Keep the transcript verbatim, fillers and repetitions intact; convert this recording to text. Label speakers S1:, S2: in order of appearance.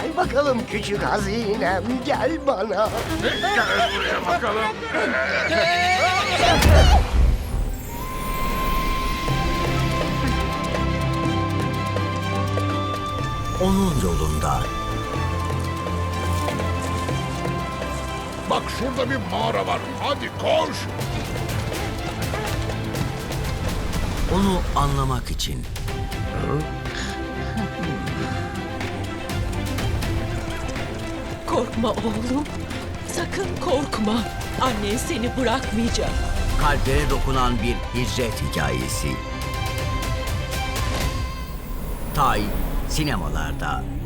S1: Gel bakalım küçük hazinem, gel bana.
S2: Gel buraya bakalım.
S3: Onun yolunda.
S2: Bak şurada bir mağara var. Hadi koş.
S3: Onu anlamak için.
S4: Korkma oğlum. Sakın korkma. Annen seni bırakmayacak.
S3: Kalplere dokunan bir hicret hikayesi. Tay sinemalarda.